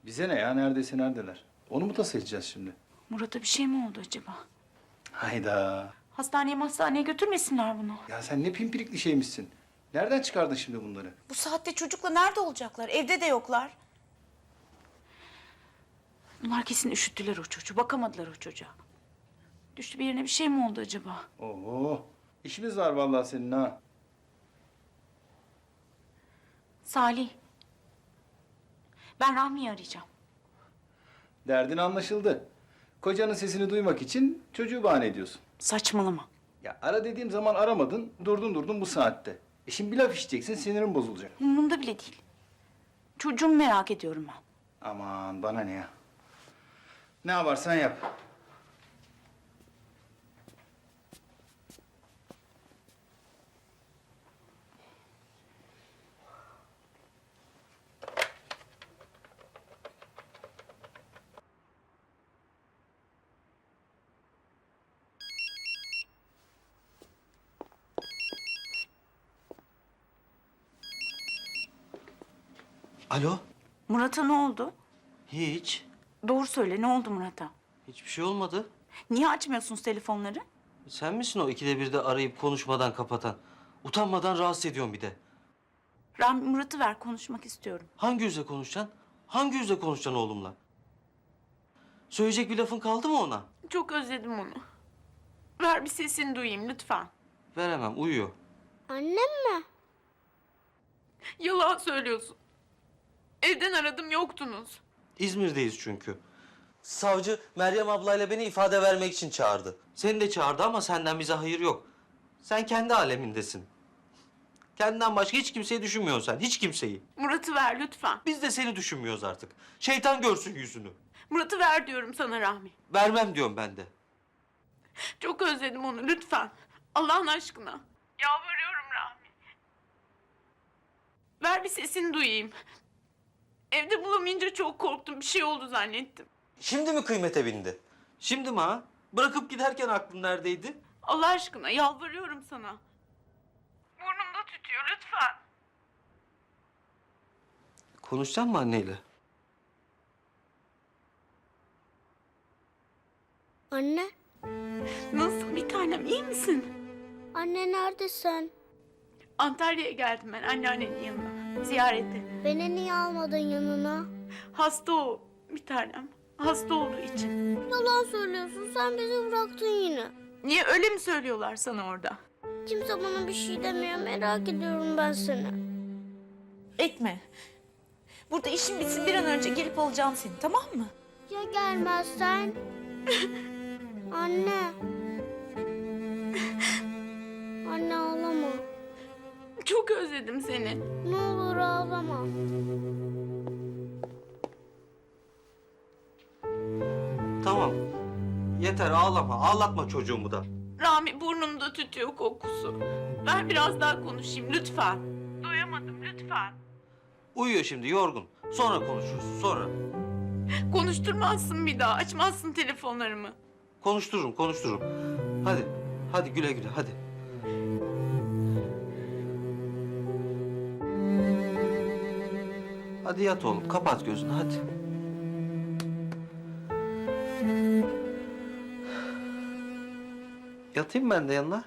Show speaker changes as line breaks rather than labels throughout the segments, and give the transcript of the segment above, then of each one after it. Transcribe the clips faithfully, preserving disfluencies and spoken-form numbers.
Bize ne ya? Neredeyse neredeler? Onu mu tasa edeceğiz şimdi?
Murat'a bir şey mi oldu acaba?
Hayda.
Hastaneye hastaneye götürmesinler bunu.
Ya sen ne pimpirikli şeymişsin. Nereden çıkardın şimdi bunları?
Bu saatte çocukla nerede olacaklar? Evde de yoklar.
Bunlar kesin üşüttüler o çocuğu. Bakamadılar o çocuğa. Düştü bir yerine bir şey mi oldu acaba?
Oo. İşimiz var vallahi senin ha.
Salih. Ben Rahmi'yi arayacağım.
Derdin anlaşıldı. Kocanın sesini duymak için çocuğu bahane ediyorsun.
Saçmalama.
Ya ara dediğim zaman aramadın, durdun durdun bu saatte. E şimdi bir laf işiteceksin, sinirin bozulacak.
Umurumda bile değil. Çocuğumu merak ediyorum ben.
Aman bana ne ya? Ne yaparsan yap.
Alo?
Murat'a ne oldu?
Hiç.
Doğru söyle, ne oldu Murat'a?
Hiçbir şey olmadı.
Niye açmıyorsunuz telefonları?
Sen misin o ikide birde arayıp konuşmadan kapatan? Utanmadan rahatsız ediyorsun bir de.
Rahmi, Murat'ı ver, konuşmak istiyorum.
Hangi yüzle konuşacaksın? Hangi yüzle konuşacaksın oğlumla? Söyleyecek bir lafın kaldı mı ona?
Çok özledim onu. Ver bir sesini duyayım lütfen.
Veremem, uyuyor.
Annem mi?
Yalan söylüyorsun. Evden aradım, yoktunuz.
İzmir'deyiz çünkü. Savcı Meryem ablayla beni ifade vermek için çağırdı. Seni de çağırdı ama senden bize hayır yok. Sen kendi alemindesin. Kendinden başka hiç kimseyi düşünmüyorsun sen, hiç kimseyi.
Murat'ı ver lütfen.
Biz de seni düşünmüyoruz artık. Şeytan görsün yüzünü.
Murat'ı ver diyorum sana Rahmi.
Vermem diyorum ben de.
Çok özledim onu, lütfen. Allah'ın aşkına. Yalvarıyorum Rahmi. Ver bir sesini duyayım. Evde bulamayınca çok korktum, bir şey oldu zannettim.
Şimdi mi kıymete bindi? Şimdi mi ha? Bırakıp giderken aklın neredeydi?
Allah aşkına yalvarıyorum sana. Burnumda tütüyor, lütfen.
Konuşacaksın mı anneyle?
Anne,
Nasıl bir tanem, iyi misin?
anne neredesin?
Antalya'ya geldim ben anneannenin yanına. Ziyarete.
Beni niye almadın yanına?
Hasta o bir tanem. Hasta olduğu için.
Yalan söylüyorsun, sen bizi bıraktın yine.
Niye, öyle mi söylüyorlar sana orada?
Kimse bana bir şey demiyor, merak ediyorum ben seni.
Etme. Burada işin bitsin bir an önce gelip alacağım seni, tamam mı?
Ya gelmezsen? Anne. Anne ağlama.
Çok özledim seni.
Ne olur ağlama.
Tamam. Yeter ağlama. Ağlatma çocuğumu da.
Rami, burnumda tütüyor kokusu. Ver biraz daha konuşayım lütfen. Doyamadım lütfen.
Uyuyor şimdi yorgun. Sonra konuşuruz sonra.
Konuşturmazsın bir daha. Açmazsın telefonlarımı.
Konuştururum konuştururum. Hadi. Hadi güle güle hadi. Hadi yat oğlum. Kapat gözünü hadi. Yatayım ben de yanına.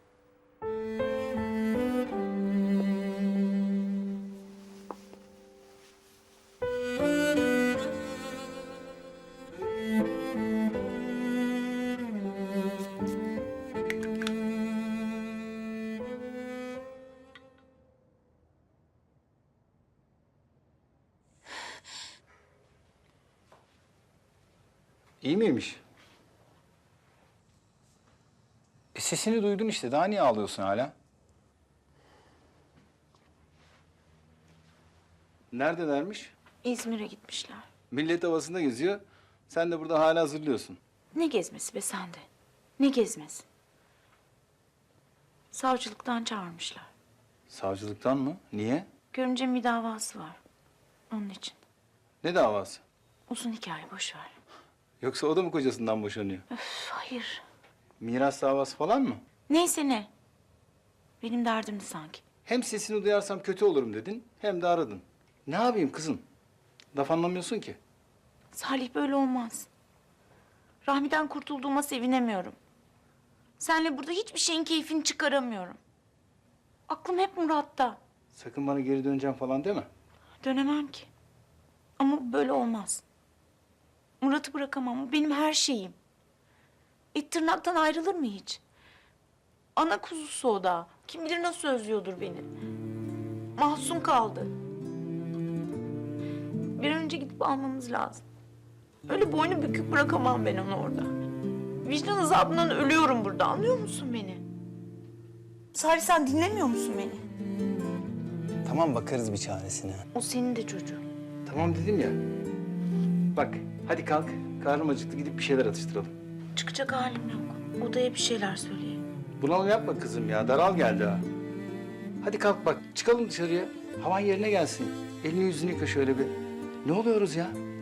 İyi miymiş? E sesini duydun işte. Daha niye ağlıyorsun hala? Neredelermiş?
İzmir'e gitmişler.
Millet havasında geziyor. Sen de burada hala hazırlıyorsun.
Ne gezmesi be sende? Ne gezmesi? Savcılıktan çağırmışlar.
Savcılıktan mı? Niye?
Görümcemin bir davası var. Onun için.
Ne davası?
Uzun hikaye, boş ver.
Yoksa o da mı kocasından boşanıyor?
Üf, hayır.
Miras davası falan mı?
Neyse ne. Benim derdimdi sanki.
Hem sesini duyarsam kötü olurum dedin, hem de aradın. Ne yapayım kızım? Laf anlamıyorsun ki.
Salih böyle olmaz. Rahmi'den kurtulduğuma sevinemiyorum. Seninle burada hiçbir şeyin keyfini çıkaramıyorum. Aklım hep Murat'ta.
Sakın bana geri döneceğim falan deme.
Dönemem ki. Ama böyle olmaz. Murat'ı bırakamam. O benim her şeyim. Et tırnaktan ayrılır mı hiç? Ana kuzusu o da. Kim bilir nasıl özlüyordur beni. Mahzun kaldı. Bir an önce gidip almamız lazım. Öyle boynu bükük bırakamam ben onu orada. Vicdan azabından ölüyorum burada. Anlıyor musun beni? Salih, sen dinlemiyor musun beni?
Tamam, bakarız bir çaresine.
O senin de çocuğun.
Tamam dedim ya. Bak hadi kalk. Karnım acıktı, gidip bir şeyler atıştıralım.
Çıkacak halim yok. Odaya bir şeyler söyleyeyim.
Bunalım yapma kızım ya. Daral geldi ha. Hadi kalk bak. Çıkalım dışarıya. Havan yerine gelsin. Elini yüzünü yıka şöyle bir. Ne oluyoruz ya?